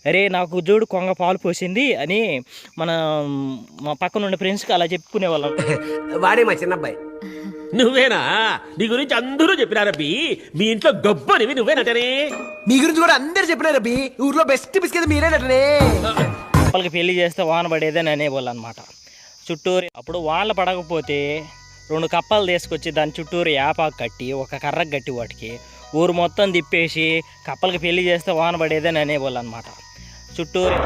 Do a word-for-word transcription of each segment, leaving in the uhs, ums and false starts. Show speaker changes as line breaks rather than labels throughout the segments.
అరే నాకు జోడు కొంగ పాలు పోసింది అని మన మా పక్కన ఉండే ఫ్రెండ్స్కి అలా చెప్పుకునేవాళ్ళం.
వాడే మా చిన్నబ్బాయి.
నువ్వేనా? నీ గురించి అందరూ చెప్పినారబ్బి. మీ ఇంట్లో గొప్పనివి నువ్వేనటనే.
మీ గురించి కూడా అందరు చెప్పినారు అబ్బి. ఊర్లో బెస్ట్ బిస్కెట్ మీరేనటనే.
కప్పలకి పెళ్లి చేస్తే వాన పడేదని అనేవాళ్ళు అనమాట చుట్టూరు. అప్పుడు వానలు పడకపోతే రెండు కప్పలు తీసుకొచ్చి దాని చుట్టూరు యాపాకు కట్టి ఒక కర్రకు కట్టి వాటికి ఊరు మొత్తం తిప్పేసి కప్పలకి పెళ్లి చేస్తే వాన పడేదని అనేవాళ్ళు అనమాట చుట్టూరు.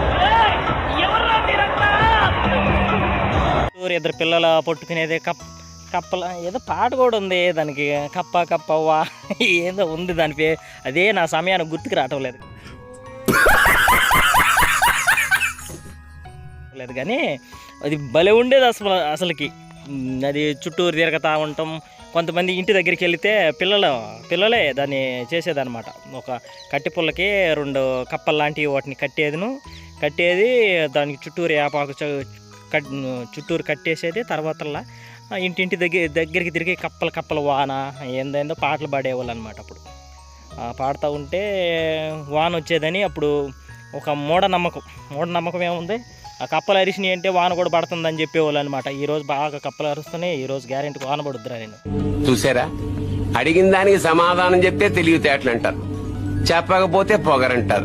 చుట్టూరు ఇద్దరు పిల్లల పట్టుకునేది కప్ కప్పల ఏదో పాట కూడా ఉంది దానికి, కప్ప కప్పవ్వా ఏదో ఉంది దాని పే. అదే నా సమయానికి గుర్తుకు రావటం లేదు లేదు కానీ అది భలే ఉండేది అసలు. అసలుకి అది చుట్టూరు తిరగతా ఉంటాం. కొంతమంది ఇంటి దగ్గరికి వెళితే పిల్లలు పిల్లలే దాన్ని చేసేదన్నమాట. ఒక కట్టి పుల్లకి రెండు కప్పలు లాంటివి వాటిని కట్టేదిను కట్టేది దానికి చుట్టూరు యాపాకు కట్ చుట్టూరు కట్టేసేది. తర్వాతల్లా ఇంటింటి దగ్గర దగ్గరికి తిరిగి కప్పలు కప్పలు వాన ఏందేందో పాటలు పాడేవాళ్ళు అనమాట. అప్పుడు పాడుతూ ఉంటే వాన వచ్చేదని అప్పుడు ఒక మూఢనమ్మకం. మూఢనమ్మకం ఏముంది, ఆ కప్పలు అరిసినాయి అంటే వాన కూడా పడుతుందని చెప్పేవాళ్ళు అనమాట. ఈరోజు బాగా కప్పలు అరుస్తున్నాయి, ఈరోజు గ్యారెంటీ వాన పడుద్దురా నేను.
చూసారా, అడిగిన దానికి సమాధానం చెప్తే తెలివితేటలు అంటారు, చెప్పకపోతే పొగరంటారు.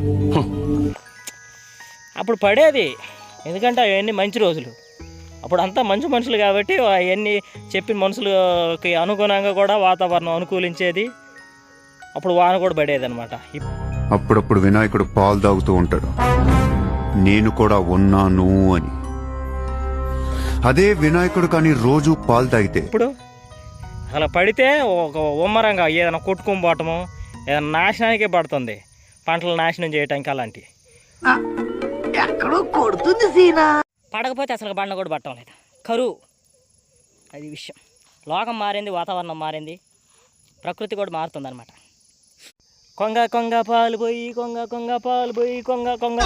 అప్పుడు పడేది, ఎందుకంటే అవన్నీ మంచి రోజులు. అప్పుడు అంతా మంచి మనుషులు కాబట్టి అవన్నీ చెప్పిన మనుషులకి అనుగుణంగా కూడా వాతావరణం అనుకూలించేది. అప్పుడు వాన కూడా పడేది అనమాట.
అప్పుడప్పుడు వినాయకుడు పాలు తాగుతూ ఉంటాడు, నేను కూడా ఉన్నాను అని. అదే వినాయకుడు కానీ రోజు పాలు తాగితే
ఇప్పుడు అలా పడితే ఒక ఉమ్మరంగా ఏదైనా కొట్టుకొని పోవటము, ఏదైనా నాశనానికే పడుతుంది, పంటలు నాశనం చేయటానికి. అలాంటి
ఎక్కడో కొడుతుంది సీనా.
పడకపోతే అసలు బండ కూడా పట్టడం లేదు, కరువు. అది విషయం. లోకం మారింది, వాతావరణం మారింది, ప్రకృతి కూడా మారుతుంది అనమాట. కొంగ కొంగ పాలు పోయి కొంగ కొంగ పాలు పోయి కొంగ కొంగ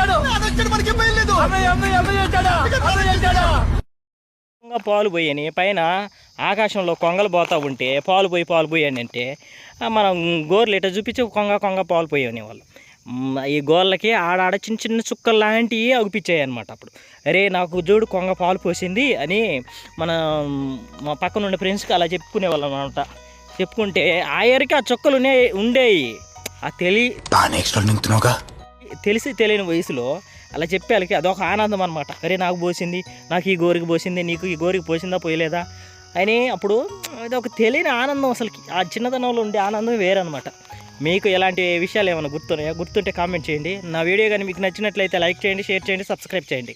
కొంగ పాలు పోయని పైన ఆకాశంలో కొంగలు పోతూ ఉంటే పాలు పోయి పాలు పోయి అని అంటే మనం గోర్లు ఇట్లా చూపించి కొంగ కొంగ పాలు పోయి అనేవాళ్ళు. ఈ గోళ్ళకి ఆడాడ చిన్న చిన్న చుక్కలు లాంటివి అగుపించాయి అనమాట. అప్పుడు అరే నాకు జోడు కొంగ పాలు పోసింది అని మన మా పక్కన ఉండే ఫ్రెండ్స్కి అలా చెప్పుకునేవాళ్ళం అనమాట. చెప్పుకుంటే ఆ ఏరికి ఆ చుక్కలు ఉండేవి. ఆ తెలి తెలిసి తెలియని వయసులో అలా చెప్పేళ్ళకి అదొక ఆనందం అనమాట. అరే నాకు పోసింది, నాకు ఈ గోరికి పోసింది, నీకు ఈ గోరికి పోసిందా పోయలేదా అని. అప్పుడు అది ఒక తెలియని ఆనందం. అసలుకి ఆ చిన్నతనంలో ఉండే ఆనందం వేరనమాట. మీకు ఎలాంటి విషయాలు ఏమైనా గుర్తున్నాయా? గుర్తుంటే కామెంట్ చేయండి. నా వీడియో కానీ మీకు నచ్చినట్లయితే లైక్ చేయండి, షేర్ చేయండి, సబ్స్క్రైబ్ చేయండి.